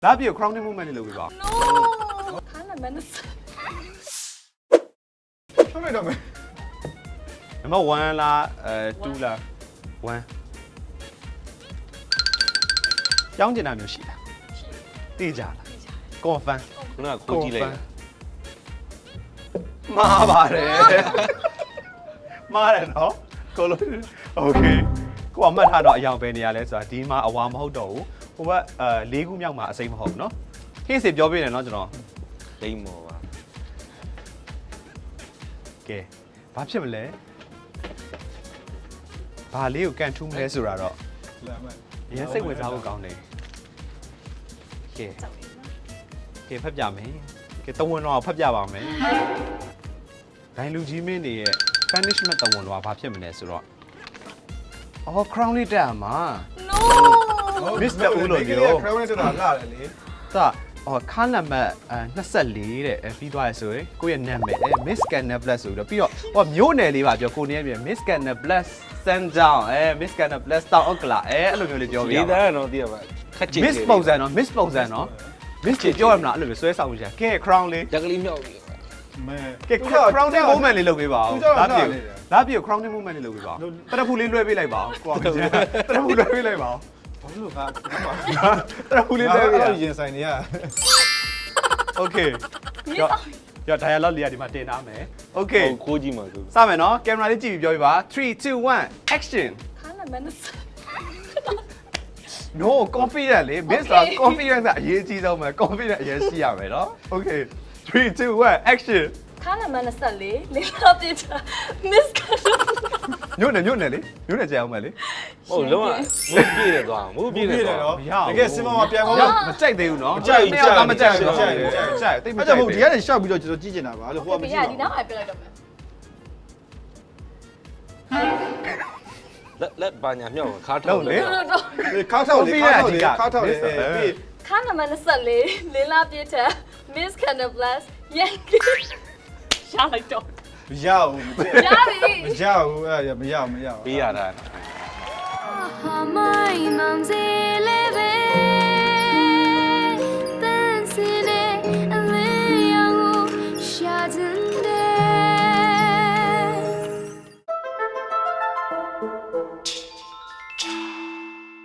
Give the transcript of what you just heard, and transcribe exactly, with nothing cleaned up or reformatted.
လာပြ crowning movement လေးလုပ်ပြပါ no ခါနမနစ်ထုတ်လိုက်တော့မယ်နံပါတ်oneလားအဲtwoလားone ကြောင်းကျင်တာမျိုးရှိလားသိကြလား confirm ခုနကခိုးကြည့်လိုက်မှားပါတယ်မှားတယ်နော်ကိုလိုโอเคကိုအမှတ်ထားတော့အယောင်ပဲနေရလဲဆိုတာဒီမှာအဝါမဟုတ်တော့ဘူးဟိုဘက်အဲလေးခုမြောက်မှာအစိမ်းမဟုတ်ဘူးနော်ဟင်းစီပြောပြနေနော်ကျွန်တော်လိမ့်မော်ပါကဲဘာဖြစ်မလဲဘာလေးကိုကန်ထူးမလဲဆိုတာတော့လာမယ်အရင်စိတ်ဝင်စားဖို့ကောင်းတယ်ကဲကဲဖတ်ပြမယ်ကဲတဝန်တော်ဖတ်ပြပါမယ်ဒိုင်လူကြီးမင်းတွေရဲ့ punishment တဝန်တော်ဘာဖြစ်မလဲဆိုတော့အော် crown လေးတက်မှာ no Mister ဦးလို့ပြော crown နဲ့တက်တာလာတယ်လေသာအော်ခါနံပါတ်twenty-fourတဲ့အဲပြီးသွားရဆိုရင်ကိုယ့်ရဲ့နာမည်အဲ Miss Canablas ဆိုပြီးတော့ပြီးတော့ဟောမျိုးနယ်လေးပါပြောကိုနေရပြန် Miss Canablas Sundown အဲ Miss Canablas Town Okla အဲအဲ့လိုမျိုးလေးပြောပြရဒီအောင်သားကတော့သိရပါခက်ချင် Miss ပုံစံနော် Miss ပုံစံနော် Miss ကြီးပြောရမလားအဲ့လိုမျိုးဆွဲဆောင်ကြကဲ crown လေးရက်ကလေးမြောက်ပြီမဲကဲ crowning movement လေးလုပ်ပေးပါဦးလာပြလာပြ crowning movement လေးလုပ်ပေးပါဦးတရဖူလေးလွှဲပေးလိုက်ပါဦးကိုကတရဖူလွှဲပေးလိုက်ပါဦးဘာလို့ကတရဖူလေးလွှဲပေးရရင်ဆိုင်နေရ Okay ကြောက်ကြောက် dialogue လေးကဒီမှာတင်ထားမယ် Okay ခိုးကြည့်မှာဆိုစမယ်နော်ကင်မရာလေးကြည့်ပြီးပြောပြပါthree two one action ခါနမနစ် no confident လေ miss က confidence ကအရေးကြီးဆုံးပဲ confident အရေးရှိရမယ်နော် Okay three two one action ခါနမနစ်ဆက်လေလေးလာပြချာ miss ခါနညွန့်နေညွန့်နေလေညွန့်နေကြအောင်မယ်လေဟုတ်လုံးဝမူးပြည့်တယ်သွားမူးပြည့်တယ်သွားတကယ်စင်မမပြန်ကောင်းမကြိုက်သေးဘူးနော်မကြိုက်ဘူးနှစ်ယောက်ကမကြိုက်ဘူးမကြိုက်ဘူးကြိုက်တိတ်မအဲ့ကြိုကြောက်င့်ဘူးဒီကနေရှောက်ပြီးတော့ကျွန်တော်ကြည့်နေတာပါလို့ဟိုကမပြကြရည့်ဒီတော့နောက်အပြလိုက်တော့မယ်လက်လက်ပါညာမြောက်ခါထောလုံးက်လေတော့တော့ခါထောက်လေခါထောက်လေခါထောက်လေပြီးခါနမနစ်ဆက်လေလေးလာပြချာ miss Canablas ရန်ကရလိုက်တော့မရဘူးရပြီမရဘူးအဲ့မရမရပေးရတာ My mom's eleven.